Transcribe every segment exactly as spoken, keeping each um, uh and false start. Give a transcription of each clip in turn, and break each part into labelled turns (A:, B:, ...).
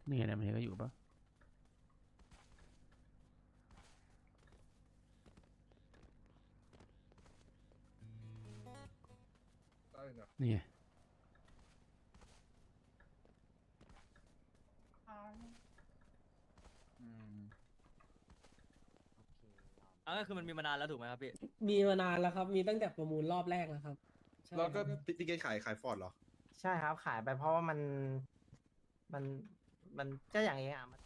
A: นี่ไงนะมันก็อยู่ปะนี่ไง
B: อ่ะก็คือมันมีมานานแล้วถูกไหมครับพี่
C: มีมานานแล้วครับ มีตั้งแต่ประมูลรอบแรกแล้วครับใช่
D: แล้วก็
C: ครับ
D: พี่เกตขายขายฟอร์ดเหรอ
E: ใช่ครับขายไปเพราะว่ามันมันมันก็อย่างเงี้ยมัน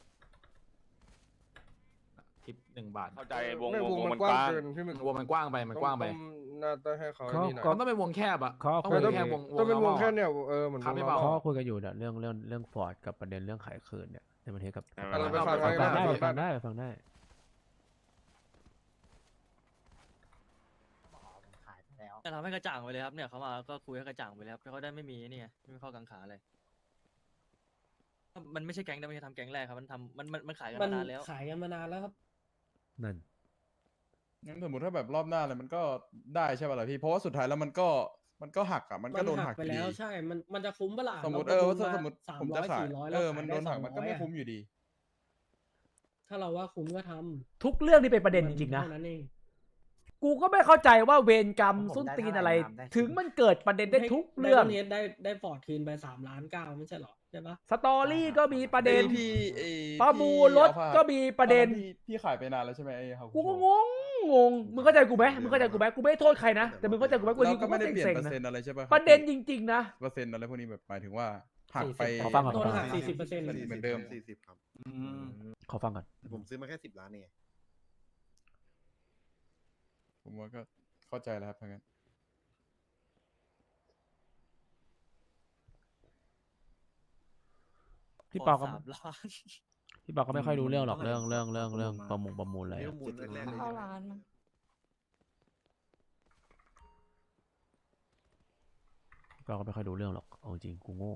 F: ทิปหนึ่งบาท
G: เข้าใจวง
D: ไม่
G: วง
D: วง
G: วง
D: มั
G: มัน น
D: ก
G: ก
D: ว้าง
G: ว้าง
D: เกินพี่มัน
F: วงมันกว้างไปมันกว้างไป
D: ต้องน่าจะให้เขา
A: เขา
D: นี่หน่อย
A: ก็
F: มันต้องเป็นวงแคบอ่ะ
A: เขา
F: ต้อง
A: คุย
F: เป็นแค่วง
D: ต้องเป็นวง
F: normal
D: แค่เนี่ยเออเหมือน
F: ครับ
D: วง
F: พี่
D: น
F: เปา
D: อ
A: เขา
D: ร์มอล
A: คุยกันอยู่เนี่ยเรื่องเรื่องเรื่องฟอร์ดกับประเด็นเรื่องขายคืนเนี่ยในประเทศกับ
D: เราไปฟัง
A: ฟัง
D: ได้
A: ได้
D: ไป
A: ไป
D: ฟั
A: ฟั
D: ง
A: ง
D: ได้
A: ได้ไปฟังได้
E: ขายไปแล้ว
B: จะทำให้กระจ่างไปเลยครับเนี่ยเขามาก็คุยให้กระจ่างไปเลยครับเขาได้ไม่มีนี่ไงไม่มีข้อกังขาอะไรมันไม่ใช่แก๊งนะไม่ใช่ทำแก๊งแรกครับมันทำมันมันมันขายกัน
C: มัน
B: มานานแล้ว
C: ขายกันมานานแล้วครับ
A: นั่น
H: งั้นสมมติถ้าแบบรอบหน้าเลยมันก็ได้ใช่ป่ะล่ะพี่เพราะว่าสุดท้ายแล้วมันก็มันก็หักอ่ะมันก็โดนหัก
C: ไป
H: อยู่
C: แล้
H: ดี
C: วใช่ มันมันจะคุ้มเปะล่า
H: สมมติ
C: เรา
H: เออ
C: ประ
H: ว่า
C: มูล
H: สมมติ
C: สาม
H: ผม
C: ร้
H: จะ
C: อย
H: ขาย
C: สี่ร้อย
H: เอ
C: เรา
H: อมัน
C: ขาย
H: โด
C: ได้
H: น
C: ส
H: หั
C: อก ง
H: มัน
C: ร้
H: ก็
C: อย
H: ไม่
C: อะ
H: คุ้มอยู่ดี
C: ถ้าเราว่าคุ้มก็ทำ
A: ทุกเรื่องที่เป็นประเด็นจริงๆนะ
C: เท่านั้นเอง
A: กูก็ไม่เข้าใจว่าเวรกรรม
E: ผม
A: ส้น
E: ได้
A: ตีน
E: เท่าไหร่
A: อะไร
E: ครับได้
A: ถึงมันเกิดประเด็นได้ทุกเรื่อง
C: ไดมอนด์เฮดได้ได้ฟอร์ดคืนไปสามล้านเก้าไม่ใช่หรอใช่ปะ
A: สตอรี่ก็มีประเด็น
H: ไอ้ที่ไอ้
A: ประมูลรถ
H: ที่
A: ก็มีประเด็น
H: ตอพี่พี่ขายไปนานแล้วใช่ไหมไอ้ฮาคุ
A: กูก็
H: โช
A: งงงงมึงเข้าใจกูไหมมึงเข้าใจกูไหมกูไม่ได้โทษใครนะแต่มึงเข้าใจกูไหมวัน
H: แล้ว
A: นี้กู
H: ก็
A: ก็
H: ไม่ได้เปลี่ยน
A: เซ็ง
H: เปอ
A: ๆ
H: ร์
A: นะ
H: เซ็นต์อะไรใช่ป่ะ
A: ประเด็นจริงๆนะ
H: เปอร์เซ็นต์อะไรพวกนี้แบบหมายถึงว่าหักไป
A: ขอฟังก่อน
C: โดนหักสี่สิบเปอร์เซ็นต์
H: เหมือนเดิม
D: สี่สิบครับ
A: ขอฟังก่อน
D: ผมซื้อมาแค่สิบล้านเอง
H: ผมว่าก็เข้าใจแล้วครับทั้งนั้น
A: พี่ปอก็
B: สามล้าน
A: พี่ปอก็ไม่ค่อยรู้เรื่องหรอกเรื่องเรื่องเรื่องเรื่องประมงประมูลอะไร
D: เรื่
A: อะ
D: องมูลแรกๆเลย
I: เข้าร้านมั้ง
A: พี่ปอก็ไม่ค่อยรู้เรื่องหรอกเอาจริงกูโง่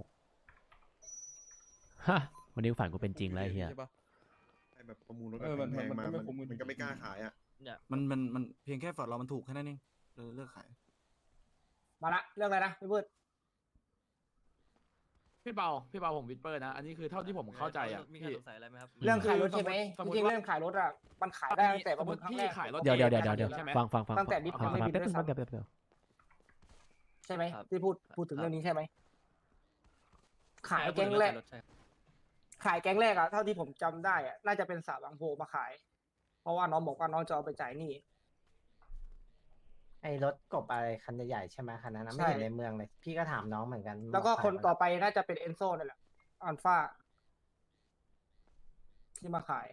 A: ฮะวันนี้ฝันกูเป็นจริงแล้วไอ้เฮีย
H: ใช่ปะ
D: ไอ้แบบประมูลรถ
H: เออมัน
D: แพงๆ
H: มัน
D: มา
H: ก็ไม่
D: มัน
H: คุ้มกัน
D: มันก็ไม่กล้าขายอ่ะ
B: เนี่ย
J: มันมันมันเพียงแค่ฟอร์ดเรามันถูกแค่นั้นเองเลยเลิกขาย
E: มาละเรื่องอะไรนะพี่พืช
F: พี่เปาพี่เปาผมวิดเปอร์นะ อันนี้คือเท่าที่ผมเข้าใจอ่ะ
B: มีใคร
F: พี่
B: สงสัยอะไรไหมครับ
E: เรื่องขายรถใช่ไหม
F: สม
E: จ
F: มุติ
E: ริงๆ
F: ว่า
E: เรื่องขายรถอ่ะมันขายได้ตั้งแต่ประมูลครั้ง
F: พี่
E: แรก
F: ขายรถ
A: เดี๋ยวเดี๋ยวเดี๋ยวเดี๋ยวเดี๋ยว
F: ใช่ไหม
A: ฟังฟังฟัง
E: ตั้งแต่ดิฟ
A: ฟัง
E: ไม่
A: ฟัง
E: บิน
A: แป๊บ
E: ด้
A: นึ
E: วย
A: ง
E: ซ้ำ
A: แป๊บเดียวแป๊บเดียว
E: ใช่ไหม
B: ครับ
E: ที่พูดพูดถึง
B: ครับ
E: เรื่องนี้ใช่ไหมขาย
B: ใช่
E: แก๊งแรก
B: ใช่
E: ขายแก๊งแรกอะเท่าที่ผมจำได้อะน่าจะเป็นสาวบางโพมาขาย เพราะว่าน้องบอกว่าน้องจะเอาไปจ่ายหนี้
I: ไอ้รถกบอะไรคันใหญ่ๆใช่ไหมคันนั้นนะ
E: ใช่
I: ไม่เห็นในเมืองเลย พี่ก็ถามน้องเหมือนกัน
E: แล้วก็
I: บอก
E: คน
I: ขาย
E: ต่อไปน่าจะเป็นเอนโซนั่นแหละอัลฟาที่มาขาย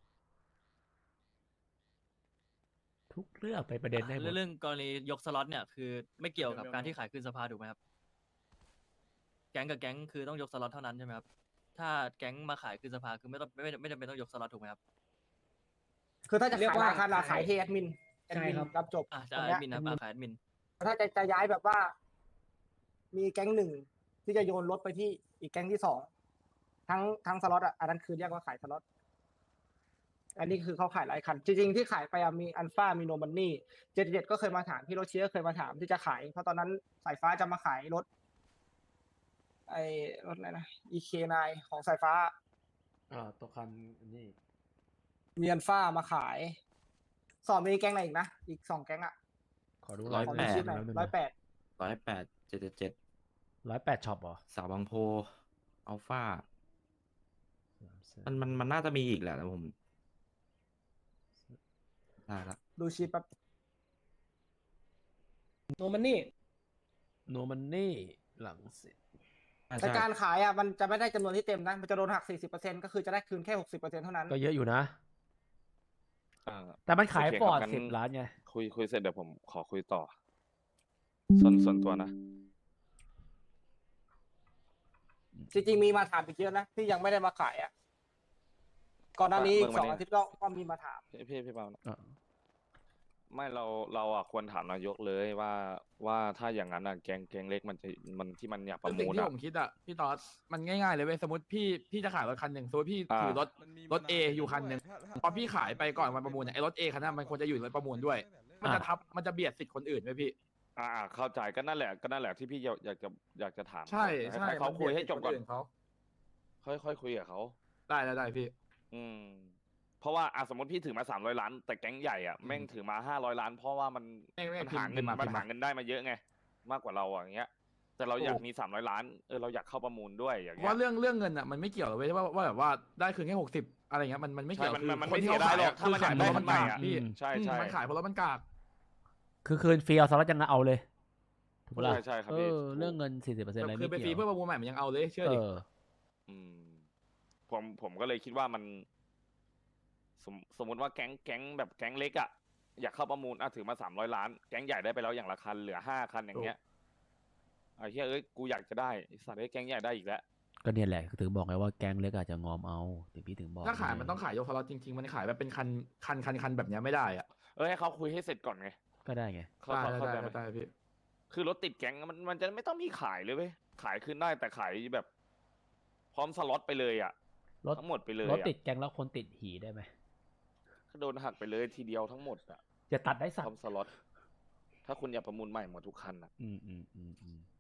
A: ทุกเรื่องไปประเด็นได้หมด
B: เรื่องกรณียกสล็อตเนี่ยคือไม่เกี่ยวกับการที่ขายขึ้นสภาถูกไหมครับ แก๊งกับแก๊งคือต้องยกสล็อตเท่านั้นใช่ไหมครับ ถ้าแก๊งมาขายขึ้นสภาคือไม่ต้องไม่ไม่จำเป็นต้องยกสล็อตถูกไหมครับ
E: คือถ้าจะ
C: เรียก
E: ขาย
C: ว่า
E: ราคารา
C: ขา
E: ขาย ยที่แอดมินแอด
C: ใช่
E: มิน
C: ครับ
E: รับจบ
B: อ่ะ
E: ต
B: จะ
E: รง
B: แอ
E: เนี้
B: ด
E: ย
B: มินนะครับอ่ะขายแอดมิน
E: ถ้าจะจะย้ายแบบว่า มีแก๊งหนึ่งที่จะโยนรถไปที่อีกแก๊งที่สองทั้งทั้งสล็อตอ่ะอันนั้นคือเรียกว่าขายสล็อตอันนี้คือเขาขายหลายคัน จริงๆที่ขายไปอะมีอัลฟามีโนมันนี่เจ็ดเจ็ดก็เคยมาถามพี่โรเชียก็เคยมาถามที่จะขาย เพราะตอนนั้นสายฟ้าจะมาขายรถ ไอ้รถอะไรนะ อี เค ไนน์ ของสายฟ้า
A: อ่าตัวคันนี่
E: มีอัลฟามาขาย สอบมีแก๊งไหนอีกนะ อีกสองแก๊งอ่ะ
A: ขอดู
E: ขอมีชื่อหน่อยร้อยแปด
J: ร้อยแปดเจ็ดเจ็ด
A: ร้อยแปดช็อปเหรอ
J: สาวบางโพอัลฟามันมันมันน่าจะมีอีกแหละแต่ผมได้ละ
E: ดูชีพแป๊บ
C: โนมันนี่
A: โนมันนี่หลังเสร็จ
J: อ่า
E: แต่
J: ใช่
E: การขายอ่ะมันจะไม่ได้จำนวนที่เต็มนะ มันจะโดนหัก สี่สิบเปอร์เซ็นต์ ก็คือจะได้คืนแค่ หกสิบเปอร์เซ็นต์ เท่านั้น
A: ก็เยอะอยู่นะ
G: อ่า
A: แต่มันขาย
G: โอเค
A: ฟอร์ด
G: ครับงั้น
A: สิบล้านไง
G: คุยคุยเสร็จเดี๋ยวผมขอคุยต่อ ส่วนส่วนตัวนะ
E: จริงๆมีมาถามอีกเยอะนะ ที่ยังไม่ได้มาขายอ่ะ ก่อนหน้านี้
G: เบิ่ง
E: ส
G: มา
E: อง
G: ดิ
E: อาทิตย์ก็ก็มีมาถาม
G: พี่พี่พี่เปานะ
A: อ่ะ
G: ไม่เราเราอ่ะควรถามนายกเลยว่าว่าถ้าอย่างนั้นอ่ะแกงแกงเล็กมันจะมันที่มันอยากประ
F: สิ่
G: มู
F: ง
G: ล
F: ที่
G: อ่ะ
F: ผมคิดอ่ะพี่ตอสมันง่ายๆเลยเว้ยสมมติพี่พี่จะขายรถคันหนึ่งสมมติพี่
G: อ่า
F: ถือรถ
H: มันมี
F: รถ A
H: มานาน
F: อยู่คันหนึ่ง
H: ถ้าถ้า
F: พอพี่ขายไปก่อนวันประมูลเนี่ยไอ้รถ A คันนั้นมันควรจะอยู่ในรถประมูลด้วย มันจะทับมันจะเบียดสิทธิ์คนอื่นไว้พี่
G: อ่าอ่าเข้าใจก็นั่นแหละก็นั่นแหละที่พี่อยากอยากจะอยากจะถาม
F: ใช่
G: เขา
F: ใช่
G: ให้เขาคุยให้จบก่อน
F: มัเบียดสิทธิ์คเขา
G: ค่อยค่อยคุยกับเขา
F: ได้ได้ได้พี่
G: อืม เพราะว่าอ่ะสมมติพี่ถือมาสามร้อยล้าน แต่แก๊งใหญ่อ่ะแม่งถือมาห้าร้อยล้าน เพราะว่ามัน
F: แม่งแม่ง
G: มันหา
F: พิ
G: เงิ
F: มพ์
G: น
F: มา
G: มัน
F: พิมพ์
G: หา
F: มา
G: เงินได้มาเยอะไง มากกว่าเราอ่ะอย่างเงี้ย แต่เราอยากมีสามร้อยล้านเออเราอยากเข้าประมูลด้วยอย่างเงี้ย
F: ว่าเรื่องเรื่องเงินอ่ะมันไม่เกี่ยวเลยเว้ยว่าว่าแบบว่าได้คืนแค่หกสิบอะไรเงี้ยมันมันไม่
G: ใช่
F: เกี่ยว
G: มัน
F: คือ
G: มัน
F: ค
G: ไม่
F: นที่
G: เสีย
F: เขา
G: ดาย
F: ขาย
G: หรอก
F: อะ
G: ถ้า
F: คือ
G: มัน
F: ขาย
G: อยาก
F: เพ
G: ได้
F: ราะ
G: คั
F: มัน น
G: ใหม่
F: กาก
G: อ่ะ
F: พี่
G: ใช่
F: อืม
G: ใช่
F: มันขายเพราะรถมันกาก
A: คือคืนฟรีเอาสล็อตยังเอาเลยถูกปะล่ะ
G: ใช่ใช่ครับ
A: เอ
G: พี่
A: อ
G: ถูก
A: เรื่องเงินสี่สิบเปอร์เซ็นต์อะไร
F: คือ
A: ไม่
F: ไปฟรี
A: เกี่ยว
F: เพื่อประมูลใหม่มันยังเอาเลยเชื่อ
A: เอ
F: ดิ
A: อ
G: อืมผมผมก็เลยคิดว่ามัน สมสมมติว่าแก๊งแก๊งแบบแก๊งเล็กอ่ะอยากเข้าประมูลอ่ะถือมาสามร้อยล้าน แก๊งใหญ่ได้ไปแล้วอย่างละคันเหลือห้าคันอย่างเงี้ยไอ้เหี้ยเอ้ยกูอยากจะได้ไอ้สัตว์ไอ้ยแก๊งใหญ่ได้อีกแล้ว
A: ก็เนี่ยแหละถึงบอกไงว่าแก๊งเล็กอาจจะงอมเอาถึงพี่ถึงบอก
F: ถ้าขายมันต้องขายยกสล็อตจริงๆมันขายแบบเป็นคันคันคันคันแบบเนี้ยไม่ได้อ่ะ
G: เอ้ยให้เขาคุยให้เสร็จก่อนไง
A: ก็ได้ไง
G: เขา
F: ได้
G: เขา
F: ได้
G: เข้าใจ
F: ได้
G: ไหม
F: ได้พี่
G: คือรถติดแก๊งมันมันจะไม่ต้องมีขายเลยเว้ยขายขึ้นได้แต่ขายแบบ พร้อมสล็อตไปเลยอ่ะ
A: รถ
G: ทั้งหมดไปเลย
A: รถ
G: อะ
A: ติดแก๊งแล้วคนติดหีได้ไหม
G: ก็โดนหักไปเลยทีเดียวทั้งหมดอ่ะ
A: จะตัดได้สั
G: พ
A: ก
G: ร้อมสล็อตถ้าคุณอยากประมูลใหม่หมดทุกคันอ่ะ
A: อืมอืมอืมอืม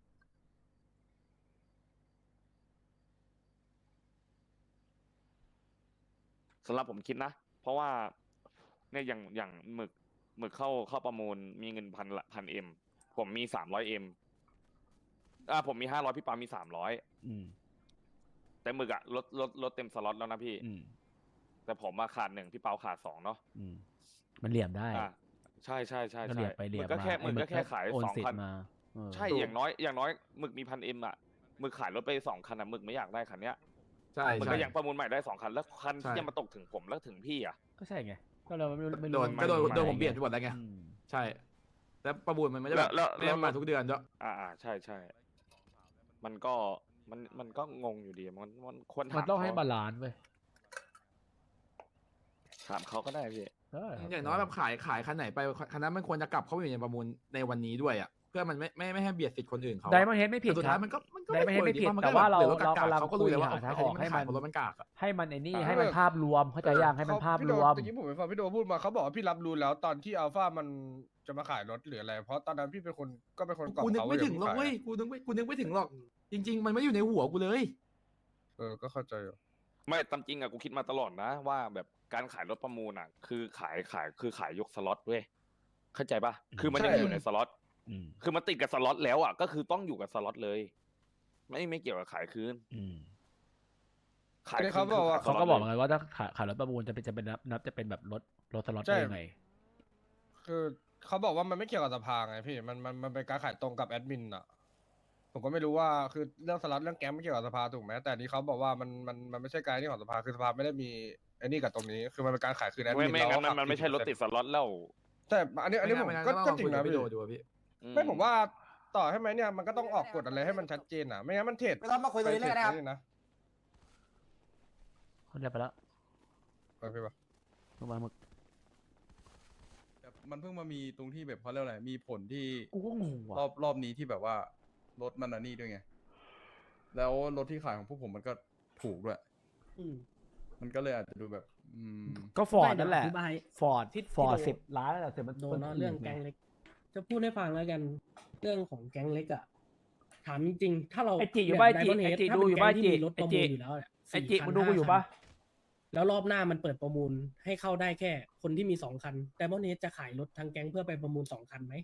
G: สำหรับผมคิดนะ เพราะว่าเนี่ยอย่างอย่างหมึกหมึกเข้าเข้าประมูลมีเงินพันละพันเอ็มผมมีสามร้อยเอ็มอ่าผมมีห้าร้อยพี่ปามีสามร้อย
A: อืม
G: แต่หมึกอะลดลดลดเต็มสล็อตแล้วนะพี่
A: อืม
G: แต่ผมมาขาดหนึ่งพี่เปาขาดสองเนาะ
A: อืมมันเหลี่ยมได้
G: อ่าใช่ใช่ใช่
A: ก็เห
G: ใช่
A: ลี่ยมไปเหลี่ยม
G: ก็
A: มา
G: แค่ห
A: ไอ้
G: มึกก็แค่ขาย
A: โอน
G: สอง
A: สิท
G: คัน
A: ธิ์มาเออ
G: ใช่อย่างน้อยอย่างน้อยหมึกมีพันเอ็มอะหมึกขายรถไปสองคันอะหมึกไม่อยากได้คันเนี้ย
F: ใช่
G: หมึก
F: ใช่
G: ก็ยังประมูลใหม่ได้สองคันแล้วคัน
F: ใช่
G: ที่จะมาตกถึงผมแล้วถึงพี่อะ
A: ก็ใช่ไงก็เราไม่รู้ไม่
F: โด
A: รู้
F: น
A: มั
F: ก็โดน
G: มัน
F: โดนผม
G: มา
F: เบียดไปหมดแล้วไง
A: อืม
F: ใช่ แล้วประมูลมันไม่ได้แบบ
G: แล้ว
F: ไม่
G: แล้ว
F: ได้มาทุกเดือนด้วย
G: อ่าอ่าใช่ใช่มันก็มันมันก็งงอยู่ดีมันมันควร
A: มัน
G: ถาม
A: ต้องให้
G: เขา
A: บาลานซ์เว้ย
G: ถามเขาก็ได้พี่
A: เออ
F: อย่างน้อยแบบขายขายคันไหนไปคันนั้นมันควรจะกลับเข้าไปอยู่ในประมูลในวันนี้ด้วยอ่ะเพื่อมันไม่ไม่ไม่ให้เบียดสิทธิ์คนอื่นเขา
A: ไดมอนเฮดไม่ผิด
F: แต่สุด
A: ค
F: ท้า
A: รับ
F: ยมันก็มันก็
A: ได้ไม่ให้
F: คว
A: ไม่
F: ดี
A: ผิด
F: มัน
A: แต่
F: ก็
A: ว่าเรา
F: หลือถ
A: เรา
F: กาก
A: กำลัง
F: เขาก็รู้เลยว่า
A: คุยหา
F: เขา
A: ทางออกให้
F: ไม่
A: มั
F: ขาน ยเพราะรถมันกากอะ
A: ให้มันไอ้นี่
H: อ่า
A: ให้มันภาพรวมเข้าใจยังให้มัน
H: เข
A: ภาพ
H: พี่
A: ร
H: โด
A: วม
H: ตะกี้ผมไปฟังพี่โดพูดมาเขาบอกว่าพี่รับรู้แล้วตอนที่อัลฟามันจะมาขายรถหรืออะไร เพราะตอนนั้นพี่เป็นคนก็เป็นคนกล่อม
F: กูนึก
H: เขา
F: ไม่
H: ว่า
F: ถึงหรอก
H: ย่า
F: เว้ย
H: พิ่ขาย
F: กูนึกไม่กูนึกไม่ถึงหรอก จริง ๆ มันไม่อยู่ในหัวกูเลย
H: เออก็เข้าใจอยู่
G: ไม่ตามจริงอะกูคิดมาตลอดนะ ว่าแบบการขายรถประมูลอะคือขายขายคือขายยกสล็อตเว้ยเข้าใจปะคือมันยังอยู่ในสล็อต
A: อืม
G: คือมันติดกับสล็อตแล้วอะก็คือต้องอยู่กับสล็อตเลย ไม่ไม่เกี่ยวกับขายคืน
A: อืม
G: ขาย
H: แต่
G: คื
H: เขา
G: น
H: บอกว่า
G: คื
A: เขา
G: ขย
A: ก็
G: ส
A: บ
G: ล็
A: อ
G: ต
A: ก
G: ลย
A: ไงว่าถ้าขายขายรถประมูลจะเป็นจะเป็นนับนับจะเป็นแบบรถรถสล็อต
H: ใช่
A: ได้ยังไง
H: คือเขาบอกว่ามันไม่เกี่ยวกับสภาไงพี่มันมันมันเป็นการขายตรงกับแอดมินอ่ะผมก็ไม่รู้ว่าคือเรื่องสล็อตเรื่องแก๊งไม่เกี่ยวกับสภาถูกไหมแต่อันนี้เขาบอกว่ามันมันมันไม่ใช่การที่ของสภาคือสภาไม่ได้มีไอ้นี่กับตรงนี้ คือมันเป็นการขายคืนแอด
G: ไม่
H: มิน
G: ไม่
H: แล้ว
G: งั้นมันมันไม่ใช่รถติดสล็อตแล้ว
H: แต่อันนี้อันนี้ผม
F: ไงั้
H: ก็
F: ต้อง
H: ก็
F: ลอง
H: จริ
F: คุ
H: ง
F: ยกั
H: นะ
F: บพี่
H: พี่
F: โดดูอะพี่
H: ไม่ผมว่าต่อให้ไหมเนี่ยมันก็ต้องออกกฎอะไรให้มันชัดเจนอ่ะไม่งั้นมันเทรด
E: ไม่ต้องมาคุยตรงนี้เลยนะครับ
H: ไปทดนี่นะ
A: เขาเรียกไปแล้ว
H: ไปพี่ปะ
A: ลงมาหมึก
H: แบบมันเพิ่งมามีตรงที่แบบเขาเรียกอะไรมีผลที่
A: กูก็งงว่ะ
H: รอบรอบนี้ที่แบบว่ารถมันอันนี้ด้วยไง แล้วรถที่ขายของพวกผมมันก็ถูกด้วย
C: อืม
H: มันก็เลยอาจจะดูแบบ อืม
A: ก็ฟอร์ด
C: ไม่
A: นั่นแหละ
C: เดี๋ยวอธิบาย
A: ฟอร์ด
C: ที่
A: ฟอร์ด
C: ที่โด
A: สิบล้านแล้วแต่มัน
C: โดนเนอะเรื่องแก๊ง
A: ไ
C: เล็ก จะพูดให้ฟังแล้วกัน เรื่องของแก๊งเล็กอ่ะ ถามจริงๆ ถ้าเรา
A: ไอจิอยู่บ้านไอจิ
C: แบบ Diamond
A: ไอ
C: Head
A: จิ
C: ถ้า
A: ดู
C: เป็น
A: อยู่
C: แก๊
A: บ้าง
C: ที่
A: จิ
C: มีรถ
A: ไอ
C: ประ
A: จิ
C: มูลอยู่แล้วเนี่ย
A: ไอจิ
C: สี่คัน
A: มึงดูกูอยู่
C: ห้า
A: ปะ
C: คันแล้วรอบหน้ามันเปิดประมูลให้เข้าได้แค่คนที่มีสองคัน Diamond Head จะขายรถทางแก๊งเพื่อไปประมูลสองคันไหม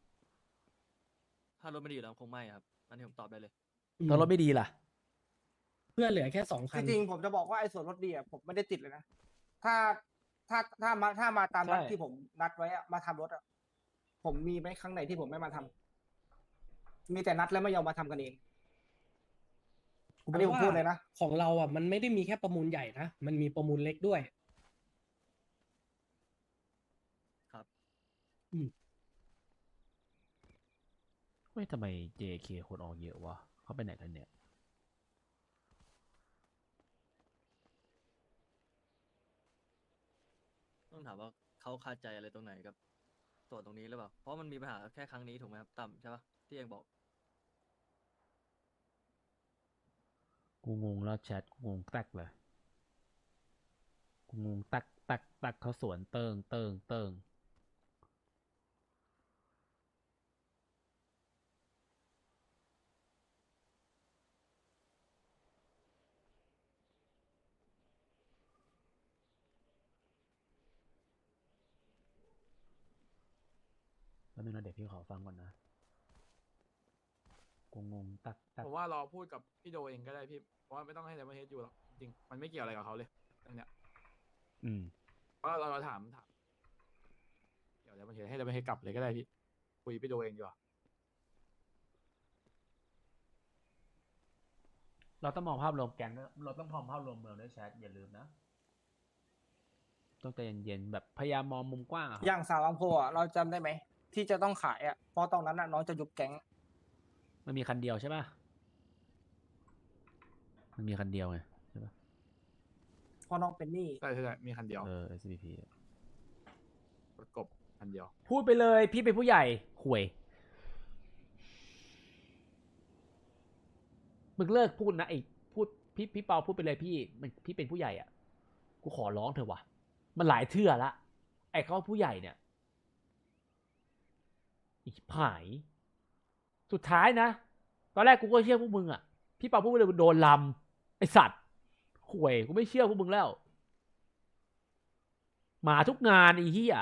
B: ถ้ารถไม่ดีอยู่แล้วคงไม่ครับอันนี้ผมตอบได้เลย
A: ถ้ารถไม่ดีล่ะ
C: เพื่อเหลือแค่สองคัน
E: จริงๆผมจะบอกว่าไอ้ส่วนลดดีอะผมไม่ได้ติดเลยนะ ถ้าถ้าถ้ามาถ้ามาตามนัด
A: ใช่
E: ที่ผมนัดไว้อะมาทำรถอะผมมีไหมครั้งไหนที่ผมไม่มาทำมีแต่นัดแล้วไม่ยอมมาทำกันเองอันนี้ผมพูดเลยนะ
C: ของเราอ่ะมันไม่ได้มีแค่ประมูลใหญ่นะ มันมีประมูลเล็กด้วย
B: ครับ
C: อืม
A: เฮ้ยทำไม เจ เค คนออกเยอะวะเขาไปไหนกันเนี่ย
B: ต้องถามว่าเขาคาใจอะไรตรงไหนกับส่วนตรงนี้หรือเปล่า เพราะมันมีปัญหาแค่ครั้งนี้ถูกไหมครับต่ำใช่ปะที่เองบอก
A: กูงงแล้วแชทกูงงแตกเลย กูงงแตกแตกแตกเขาสวนเติงเติงเติงนึงนะเดี๋ยวพี่ขอฟังก่อนนะกูงงตัดตัด
F: ผมว่ารอพูดกับพี่โดเองก็ได้พี่เพราะว่าไม่ต้องให้ไดมอนเฮดอยู่หรอกจริงๆมันไม่เกี่ยวอะไรกับเขาเลยเรื่องเนี้ย
A: อืม
F: เพราะเราเราถามถามเดี๋ยวไดมอนเฮดให้ไดมอนเฮดกลับเลยก็ได้พี่คุยพี่โดเองดีกว่า
A: เราต้องมองภาพรวมแก๊งด้วยเราต้องมองภาพรวมเมืองด้วยแชทอย่าลืมนะต้องใจเย็นๆแบบพยายามมองมุมกว้างอะครับ
E: อย่างสาวอังโพอ่ะเราจำได้ไหมที่จะต้องขายอ่ะเพราะตอนนั้นอ่ะน้องจะยุบแก๊ง
A: มันมีคันเดียวใช่ป่ะมันมีคันเดียวไงใช่ป่ะ
E: เพราะน้องเป็นหนี้
F: ใช่ใช่ใช่มีคันเดียว
A: เออ เอส บี พี
F: รถกบคันเดียว
A: พูดไปเลยพี่เป็นผู้ใหญ่ห่วยมึงเลิกพูดนะไอ้พูดพี่พี่เปาพูดไปเลยพี่มันพี่เป็นผู้ใหญ่อ่ะกูขอร้องเถอะวะมันหลายเทื่อละไอ้เขาผู้ใหญ่เนี่ยอีกผายสุดท้ายนะตอนแรกกูก็เชื่อพวกมึงอ่ะพี่เปาพูดไปเลยโดนลำไอสัตว์ห่วยกูไม่เชื่อพวกมึงแล้วมาทุกงานไอ้เหี้ย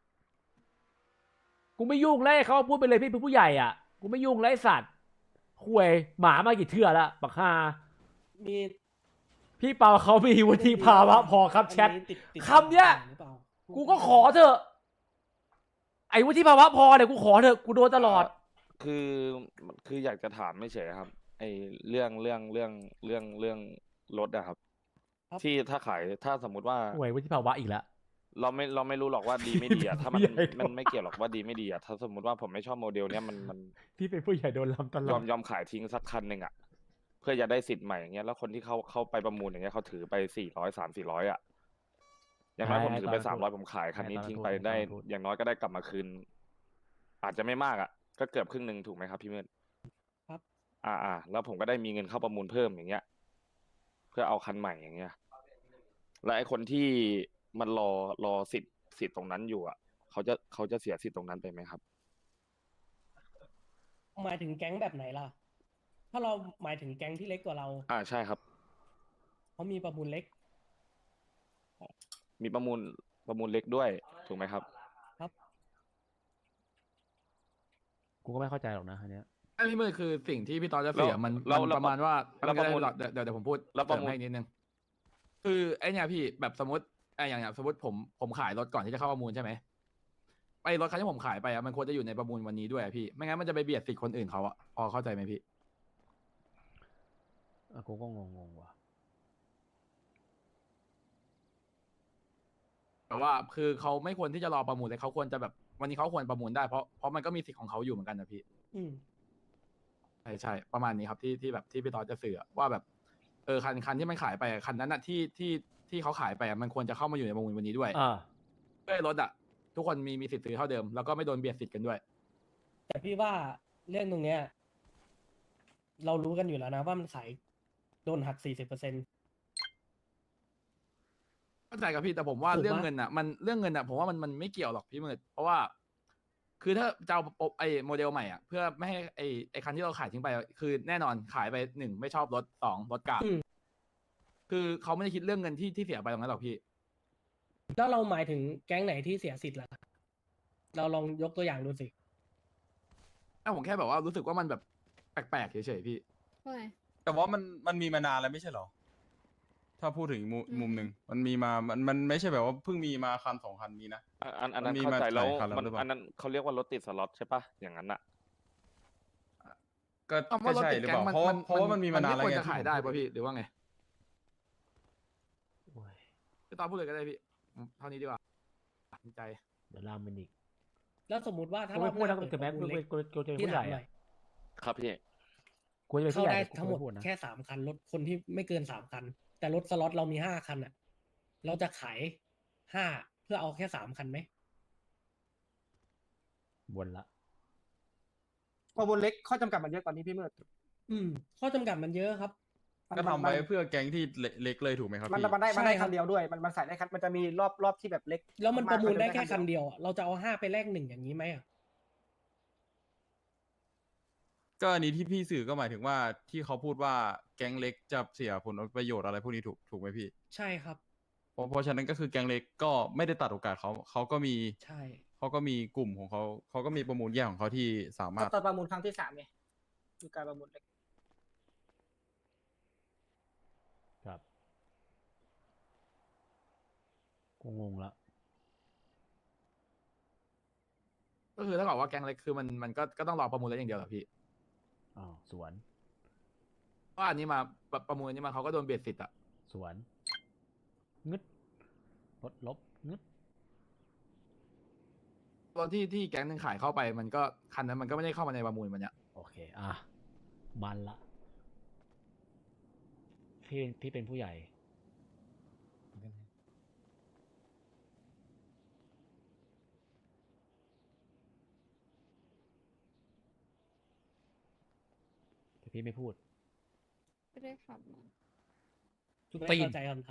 A: กูไม่ยุ่งแล้วเขาพูดไปเลยพี่เป็นผู้ใหญ่อ่ะกูไม่ยุ่งแล้วไอ้สัตว์ห่วยหมามากี่เทื่อละปักฮา
C: มี
A: พี่เปาเขามีวุฒิภาวะพอครับแชท
C: อันนี้ติดติด
A: คำเนี้ย
C: หรือเปล่า
A: กูก็ขอเถอะไอ้วุฒิภาวะพอเนี่ยกูขอเถอะกูโดนตลอด
G: คือคืออยากจะถามไม่เฉยครับ ไอเรื่องเรื่องเรื่องเรื่องเรื่องรถอะครับ ที่ถ้าขายถ้าสมมุติว่า
A: ห่วยวุฒิภาวะอีกแล้ว
G: เราไม่เราไม่รู้หรอกว่าดีไม่ดีอะถ้ามัน
A: ใหญ่
G: มันไม่เกี่ยวหรอกว่าดีไม่ดีอะถ้าสมมุติว่าผมไม่ชอบโมเดลเนี้ยมันมัน
A: พี่เป็นผู้ใหญ่โดนลำตล
G: ย
A: อ
G: อ
A: ด
G: มยอมขายทิ้งสักคันหนึ่งอะเพื่อจะได้สิทธิ์ใหม่อย่างเงี้ยแล้วคนที่เขาเข้าไปประมูลอย่างเงี้ยเขาถือไปสี่ร้อยสามสี่ร้อยอะอย่างน้อยผมถือไปสามร้อยผมขายคันนี้ทิ้งไปได้ อย่างน้อยก็ได้กลับมาคืน อาจจะไม่มากอะก็เกือบครึ่งหนึ่งถูกไหมครับพี่มืด
C: ครับ
G: อ่าอ่าแล้วผมก็ได้มีเงินเข้าประมูลเพิ่มอย่างเงี้ย เพื่อเอาคันใหม่อย่างเงี้ย และไอคนที่มันรอรอสิทธิ์สิทธิ์ตรงนั้นอยู่อ่ะเขาจะเขาจะเสียสิทธิ์ตรงนั้นไปไหมครับ
C: หมายถึงแก๊งแบบไหนล่ะ ถ้าเราหมายถึงแก๊งที่เล็กกว่าเรา
G: อ่าใช่ครับ
C: เขามีประมูลเล็ก
G: มีประมูลประมูลเล็กด้วยถูกไหมครับ
A: กูก็ไม่เข้าใจหรอกนะอันเนี้ย
F: ไอ้พี่มืดคือสิ่งที่พี่ตอนจะเสีย
G: แล้ว
F: มัน
G: แล้ว
F: มัน
G: แล้ว
F: ประมาณว่า
G: แล้วประมูล
F: เดี๋ยวเดี๋ยวเดี๋ยวผมพูด
G: แล้วประมูล
F: เสริให้นิดนึงคือไอ้เนี่ยพี่แบบสมมติไอ้อย่างอย่างสมมติผมผมขายรถก่อนที่จะเข้าประมูลใช่ไหมไอ้รถคันที่ผมขายไปอะมันควรจะอยู่ในประมูลวันนี้ด้วยอะพี่ไม่งั้นมันจะไปเบียดสิทธิ์คนอื่นเขาอะพอเข้าใจไหมพี่
A: อ่ะกูก็งงงๆว่ะ
F: แต่ว่าคือเขาไม่ควรที่จะรอประมูลเลยเขาควรจะแบบวันนี้เขาควรประมูลได้เพราะเพราะมันก็มีสิทธิ์ของเขาอยู่เหมือนกันนะพี่
C: อืม
F: ใช่ใช่ประมาณนี้ครับที่ที่แบบที่พี่ตอจะสื่อว่าแบบเออคันคันที่มันขายไปอะคันนั้นอะที่ที่ที่เขาขายไปอะมันควรจะเข้ามาอยู่ในประมูลวันนี้ด้วย
A: อ่า
F: เพื่อให้รถอะทุกคนมีมีสิทธิ์ซื้อเท่าเดิมแล้วก็ไม่โดนเบียดสิทธิ์กันด้วย
C: แต่พี่ว่าเรื่องตรงเนี้ย เรารู้กันอยู่แล้วนะว่ามันขายโดนหักสี่สิบเปอร์เซ็นต์
F: เข้าใจกับพี่แต่ผมว่า
C: ถูกปะ
F: เรื่องเงินอะมันเรื่องเงินอะผมว่ามันมันไม่เกี่ยวหรอกพี่มืดเพราะว่า คือถ้าจะเอาไอ้โมเดลใหม่อ่ะเพื่อไม่ให้ไอ้ไอ้คันที่เราขายทิ้งไปอะคือแน่นอนขายไปหนึ่งไม่ชอบรถสองรถกาก
C: อืม
F: คือเขาไม่ได้คิดเรื่องเงินที่ที่เสียไปตรงนั้นหรอกพี่
C: แล้วเราหมายถึงแก๊งไหนที่เสียสิทธิ์ล่ะ เราลองยกตัวอย่างดูสิ
F: ถ้าผมแค่แบบว่ารู้สึกว่ามันแบบแปลกๆเฉยๆพี่
K: แต่ว่ามันมันมีมานานแล้วไม่ใช่เหรอ ถ้าพูดถึงมุมมุมหนึ่งมันมีมามันมันไม่ใช่แบบว่าเพิ่งมีมาคันสองคันนี้นะ
G: อันอันอันนั้น
K: มันมี
G: เข้าใจ
K: มา
G: แล้ว
K: หลายคันแล้ว
G: มัน
K: หรือเปล่า
G: อันนั้นเขาเรียกว่ารถติดสล็อตใช่ปะอย่างนั้นอะ
K: ก็
F: เอา
K: ก็
F: ว่ารถ
K: ใช่
F: ติด
K: หรือ
F: แก๊
K: เป
F: ง
K: ล่า
F: มัน
K: เพราะว่า
F: มัน
K: เพราะว่ามันมีมานานแล้ว
F: ไควร
K: ไง
F: จะขาย
K: ที่ผม
F: ได้
K: พู
F: ป่ะพี่หรือว่าไง
A: โอ้ย
F: พี่ตอนพูดเลยก็ได้พี่เท่านี้ดีกว่าตัดสินใจ
A: เดี๋ยวลามมันอีก
C: แล้วสมมติว่าถ้า
A: กู
C: รอ
A: ไม่
C: บ
A: พูด
C: ห
A: นะ
C: น้า
A: กู
C: เปิด
A: จะ
C: ป
A: แม้
C: ระมู
A: กู
C: ลเล็ก
A: กูกูจะเป็น
C: พี่
A: ผู้ให
C: ถา
A: ญ่
C: มหน่
A: อะ
C: อย
G: ครับพี่
A: กูจะเป็น
C: เข้า
A: ผู้ใหญ่
C: ได้
A: กู
C: ทั้งหมด
A: ไพูดนะ
C: แค่สามคันรถคนที่ไม่เกินสามคัน แต่รถสล็อตเรามีห้าคันอ่ะ เราจะขายห้าเพื่อเอาแค่สามคันไหม
A: บนละ
E: ประมูลเล็กข้อจำกัดมันเยอะกว่านี้พี่มืด
C: อืม ข้อจำกัดมันเยอะครับ
E: มัน
K: ก็ทำ
E: มัน
K: ไว้เพื่อแก๊งที่เล็กเล็กเลยถูกไหมครับ
E: มัน
K: พี่
E: มันได้มันได้
C: ใช่ครั
E: คั
C: บ
E: นเดียวด้วย มันมันใส่ได้คันมันจะมีรอบรอบที่แบบเล็ก
C: แล้วมันประมูลได้แค่
E: าก
C: คันเดียวอะเราจะเอาห้าไปแลกหนึ่งอย่างนี้ไหมอ่ะ
K: ก็อันนี้ที่พี่สื่อก็หมายถึงว่าที่เขาพูดว่าแก๊งเล็กจะเสียผลประโยชน์อะไรพวกนี้ถูกถูกไหมพี่
C: ใช่ครับ
K: เพราะเพราะฉะนั้นก็คือแก๊งเล็กก็ไม่ได้ตัดโอกาสเขาเขาก็มี
C: ใช่
K: เขาก็มีกลุ่มของเขาเขาก็มีประมูลแยกของเขาที่สามารถ
E: ตอนประมูลครั้งที่สามไงคือการประมูลเล็ก
A: ครับกูงงละ
F: ก็คือถ้าบอกว่าแก๊งเล็กคือมันมันก็ก็ต้องรอประมูลแล้วอย่างเดียวเหรอพี่
A: อ้าวสวน
F: เพราะอันนี้มาประประมูลอันนี้มาเขาก็โดนเบียดสิทธิ์อะ
A: สวนงึดลดลบงึด
F: ตอนที่ที่แก๊งหนึงขายเข้าไปมันก็คันนั้นมันก็ไม่ได้เข้ามาในประมูลมันเนี้ย
A: โอเค อ่ะ มันละ พี่เป็นพี่เป็นผู้ใหญ่ แต่พี่ไม่พูด
L: ไม่ได้ขับมา
A: ทุก
C: ไม่
A: ตีน
C: เข้าใจคำถาม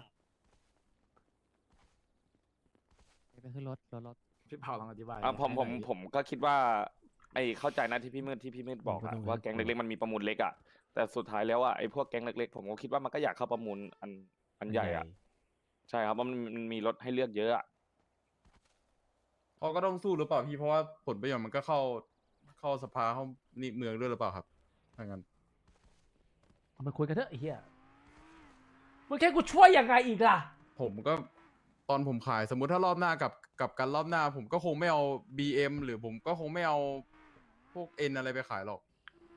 I: ไปขึ้นรถรถรถ
F: พี่เผาลองอธิบาย
G: อ่ะผม
F: ให้
G: ผ
F: หน่
G: ม
F: อยดิ
G: ผมก็คิดว่า ไอ้เข้าใจนะที่พี่มืดที่พี่มืดบอก
A: มันก็
G: อะ
A: ต้อง
G: ว่าแก๊งเล็กๆมันมีประมูลเล็กอะแต่สุดท้ายแล้วอะไอ้พวกแก๊งเล็กๆผมก็คิดว่ามันก็อยากเข้าประมูลอันอันใหญ่อะใช่ครับเพราะมันมันมีรถให้เลือกเยอะอะ
K: เขาก็ต้องสู้หรือเปล่าพี่เพราะว่าผลประโยชน์มันก็เข้าเข้าสภาเข้านี่เมืองด้วยหรือเปล่าครับถ้างั้น
A: เอามาคุยกันเถอะไอ้เหี้ยมึงแค่กูช่วยยังไงอีกล่ะ
K: ผมก็ตอนผมขายสมมุติถ้ารอบหน้ากับกับกันรอบหน้า ผมก็คงไม่เอา บี เอ็ม หรือผมก็คงไม่เอาพวก N อะไรไปขายหรอก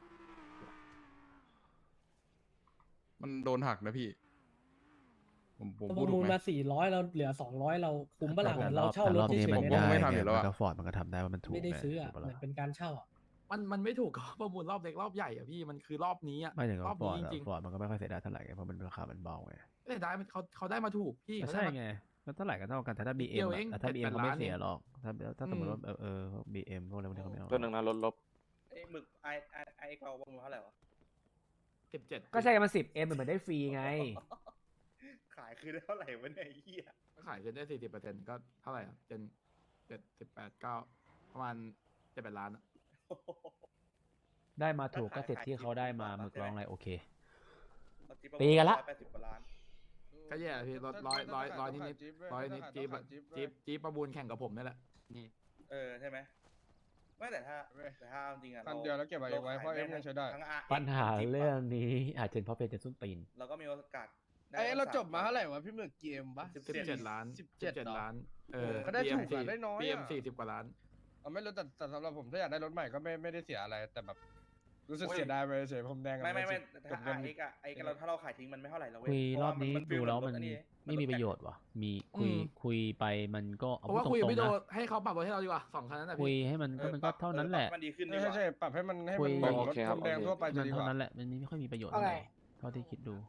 K: มันโดนหักนะพี่ ผมผม
C: ป
K: พูด
C: ระ
K: ถู
C: มู
K: ก
C: ล
K: ไหม
C: มาสี่ร้อยเราเหลือสองร้อยเราคุ้มปะล่ะเหมือนเราเช่า
M: แต่
C: ร
M: ร
C: ถ
M: อบ
C: เฉ
M: นี้
C: ย
M: มัน
C: ๆ
K: ผ
C: เนี่ย
K: ไม่
M: ได้
K: ทำอยู่
M: ไง
K: แล้ว
M: มัน
K: อะ
M: ก็ฟอร์ดมันก็ทำได้ว่ามันถูก
C: ไม่ได้
M: ง
C: ซื้ออะ
M: ถูกปะ
C: เหมื
M: ล่ะ
C: อนเป็นการเช่าอะ
F: มันมันไม่ถูกกับ ประมูลรอบเล็กรอบใหญ่อะพี่มันคือรอบนี้อะ
M: ไม่ถึง
F: ร
M: กั
F: อ
M: บบ ฟอร์ด
F: นี้
M: อะ
F: จริง
M: ฟอร์ดมันก็ไม่ค่อยเสียดายเท่าไหร่ไงเพราะมันราคามันเบาไง
F: ๆไม่ได้มันเขาเขาได้มาถูกพี่
M: ก็
F: เขา
M: ใช่
F: ได้มา
M: ไงก็เท่าไหร่ก็เท่ากันแต่ถ้า
F: นิ
M: บี
F: ด
M: เอ็
F: เดี
M: ม
F: ยวเอง
M: ถ้า
F: เจ็ด
M: บีเอ็ม
F: แปด
M: เขาไม่
F: ล้าน
M: เสีย
F: เอง
M: หรอกถ้าถ้าสมมติว่าเออเออบีเอ็มพวกอะไรพวกนี้เขาไม่เอา
G: เพื่อนหนึ่งนะลดลบ
D: ไอ้หมึกไอไอไอเราประมูลเท่าไหร่วะ
F: สิบเจ็ด
A: ก็ใช่กันมาสิบเอ็มเหมือนได้ฟรีไง
D: ขายคือได้เท่าไหร่วะเนี่ยไอ้เหี้ย
F: ก็ขายขึ้นได้สี่สิบเปอร์เซ็นต์ก็เท่าไหร่อะเป็นเจ็ดสิบแปดเก้าประมาณเจ็ดแปดล้านอะ
A: ได้มาถูกก็เสร็จที่เขาได้มาหมึกร้องอะไรโอเค
D: เอาจิ๊บประมูล
A: ตีกันละ
D: ร้อยแปดสิบกว่าล้าน
F: ก็แย่พี่ร้อยร้อยร้อยร้อยนิดนิดร้อยนิดจี๊บอะจี๊บจี๊บประมูลแข่งกับผมนี่แหละ
D: เออใช่ไหมไม่แต่ถ้าแต่ถ้าเอาจริงอะ
H: คัน
D: รา
H: เดียวแล้วเก็บไว้เองไว้เพราะ
D: ข
H: เอ็มยังใช้ได้
D: ทั้ง R X
A: ปัญหา
D: จิ๊บะ
A: เรื่องนี้อาจจะเป็นเพราะเป็นเจนซุนตีน
D: เราก็มีโอกาสได้
H: ไอ้เรา
D: ทั้ง
H: จบมา
D: ส
H: เท่าไหร่วะพี่หมึกเกมปะ
D: สิบ
F: สิบเจ็ดล้าน
H: สิบเจ็ด
F: สิบ
H: เหรอ
F: ล้านเออ
H: ก็ได้ถูกอะ
F: บี
H: ได้น้อยอะ
F: บีเอ็มสี่สิบกว่าล้าน
H: เอาไม่รู้แต่แต่สำหรับผมถ้าอยากได้รถใหม่ก็ไม่ไม่ได้เสียอะไรแต่แบบรู้สึกเสียดายไปเฉยๆผมแดงกับ
D: ไม่ไม่ไม่
H: สิบ
D: ถ้า
H: เงิน
D: R X อะไอ้เราถ้าเราขายทิ้งมันไม่เท่าไหร่เราเว้
A: คุย
D: เพ
A: ร
D: ราะ
A: อบ
D: ว่า
A: นี้
D: มัน
A: ดูแล้วมัน
D: ฟี
A: ไม่มีประโยชน์ว่ะ มีคุย
F: อืม
A: คุยไปมันก็เอา
F: เพราะว่า
A: พู
F: คุ
A: ด
F: ย
A: ต
F: กับ
A: รง
F: พี่
A: ๆ
F: โด
A: นะ
F: ให้เขาปรับรถให้เราดีกว่าสองคันนั้นนะ
A: คุย
F: พี่
A: ให้มันก็
D: เออ
A: มัน
D: ป
A: ก็
D: รับ
A: เท่านั้นแหละ
D: ปรับมันดีขึ้นดี
H: ใช่
D: กว่า
H: ใช่ปรับให้มันให้
A: คุ
H: มัน
A: ย
H: เหมือนรถ
G: โอเคครับ
H: คนแดง
G: โอเค
H: ทั่วไปจะ
A: มัน
H: ดีก
A: เท่า
H: ว่า
A: นั้นแหละมันไม่ค่อยมีประโยชน์
E: เอาไง
A: เท่าที่คิดดู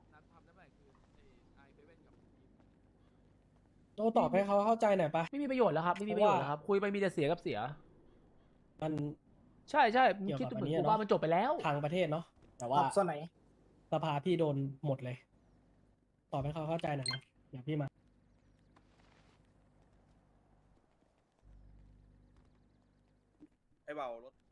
C: โต้ตอบให้เขาเข้าใจหน่อยปะ
A: ไม่มีประโยชน์แล้วครับไม่มีประโยชน์แล้วครับ คุยไปมีแต่เสียกับเสีย
C: มัน
A: ใช่ใช่มึง
C: เกี่ยว
A: คิด
C: กับ
A: ดูเหมือน
C: อันนี้
A: กู
C: เนอะ
A: ว่ามันจบไปแล้ว
C: ทางประเทศเนาะแต่
E: ต
C: ว่า
E: อบส่วนไหน
C: สภาพี่โดนหมดเลย ตอบให้เขาเข้าใจหน่อยนะเดี๋ยวพี่มา
D: ไอ้เบารถ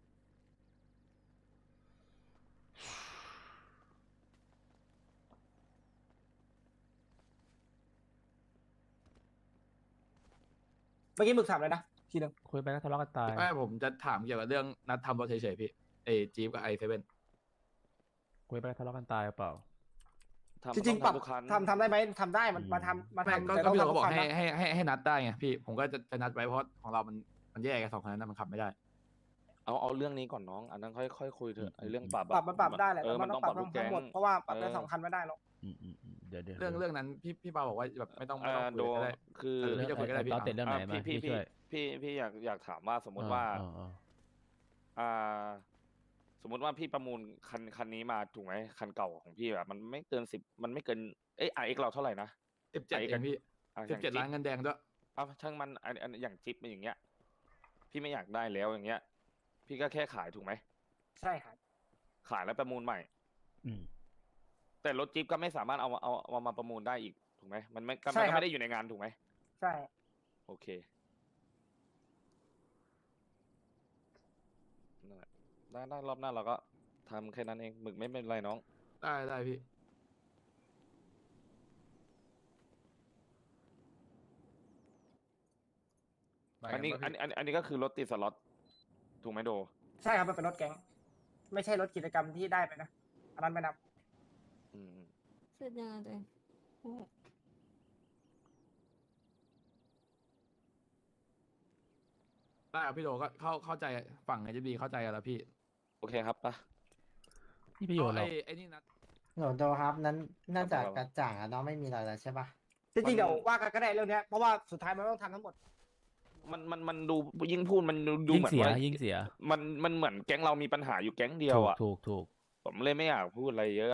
E: เมื่อกี้หมึกถามเลยนะทีหนึ่ง
A: คุยไปก็ทะเลาะกันตาย
F: ไม่ผมจะถามเกี่ยวกับเรื่องนัดทำรถเฉยๆพี่เอจีบกับไอเซเว่น
A: คุยไปก็ทะเลาะกันตายหรือเปล่า
G: ทำ
E: จริงๆปรับ
G: ต้องทำทุกคัน
E: ทำทำได้ไหมทำได้มัน
A: อืม
E: มาทำมา
F: ไม่
E: ทำ
F: ก็
E: แต่
F: ก็
E: ต้อง
F: พี่โด
E: ทำ
F: ก็บอก
E: ทุ
F: ให้
E: นะ
F: ให้ให้ให้นัดได้ไงพี่ผมก็จะจะนัดไว้เพราะของเรามันมันแยกกันสองคันนั้นมันขับไม่ได้
G: เอาเอาเรื่องนี้ก่อนน้อง อันนั้นค่อยค่อยคุยเถอะไอ้เรื่องปรับอะ
E: ปรับมันปรับได้แหละ
G: เอ
E: แต่
G: อ
E: มั
G: มัน น
E: ต้
G: ต้
E: อ
G: อง ง
E: ป
G: ป
E: รั
G: รั
E: บบ
G: ทุก
E: ทั้
G: แก๊
E: ง
G: ง
E: หมดเพราะว่าปรับได้
G: เออ
E: สองคันไม่ได้หรอก
A: อืมอืมอืมเดี๋ยวเดี๋ยว
F: เรื่องเรื่องนั้นพี่พี่ปาบอกว่าแบบไม่ต้องไม่
G: เอ่
F: ต้อ
G: อง
F: คุ
G: โด
F: ยก็ได้
G: คือ
F: เออพี่จะคุยก็ได้พี่
A: ตอนเสร็จเรื่องไหน
G: อ่ะ
A: มา
G: พี่
A: พี่
G: พี่
A: ช่วย
G: พี่พี่อยากอยากถามว่าสมมติว่า
A: อ่อ่อ่
G: อ่า สมมติว่าพี่ประมูลคันคันนี้มาถูกไหมคันเก่าของพี่แบบมันไม่เกินสิบมันไม่เกินเอ้ยไอเอ็กเราเท่าไหร่นะ
F: สิบเจ็ด
G: ไอ้
F: เองพี่
G: อ่ะอ
F: สิบ
G: ย่าง
F: เจ็ด
G: จิ๊
F: ล้านเงินแดงด้วย
G: เอาช่างมันอันอันอย่างจิ๊บเป็นอย่างเงี้ย พี่ไม่อยากได้แล้วอย่างเงี้ย พี่ก็แค่ขายถูกไหม
E: ใช่ครับ
G: ขายแล้วประมูลใหม่
A: อืม
G: แต่รถจิ๊บก็ไม่สามารถเอามาเอาเอามาประมูลได้อีกถูกไหมมันไม่ก็
E: ใช่
G: มัน
E: ครับ
G: ก็ไม่ได้อยู่ในงานถูกไหม
E: ใช่
G: โอเคนั่นแหละได้ได้รอบหน้าเราก็ทำแค่นั้นเองหมึกไม่เป็นไรน้อง
F: ได้ได้พี่
H: ไป
G: อันนี้
H: ไปกั
G: อัน
H: ปะ
G: อันอันนี้ก็คือรถติดสล็อตถูกไหมโด
E: ใช่ครับมันเป็นรถแก๊ง ไม่ใช่รถกิจกรรมที่ได้ไปนะอันนั้นไม่นับ
G: อืม
L: เสร็จยังไงตัวเองโอ้
F: ได้ครับพี่โดก็เข้าเข้าใจฝั่งไอจีบีเข้าใจกันแล้วพี่
G: โอเคครับปะ
A: นี่ประโยชน์หร
F: ไอ
A: อก
F: ไอนี่นัด
N: หนูโดครับนั้นน่าจะ
G: ครับ
N: กระจ่างแล้วเนาะไม่มีอะไรแล้วใช่ปะ
E: จริงๆเดี๋ยวว่ากันก็ได้เรื่องเนี้ยเพราะว่าสุดท้ายมันต้องทำทั้งหมด
G: มันมันมันดูยิ่งพูดมันดูดู
A: ยิ่ง
G: เหมือน
A: เสีย
G: ว่า
A: ยิ่งเสีย
G: มันมันเหมือนแก๊งเรามีปัญหาอยู่แก๊งเดียว
A: ถูก
G: อ่ะ
A: ถูกถูก
G: ผมเลยไม่อยากพูดอะไรเยอะ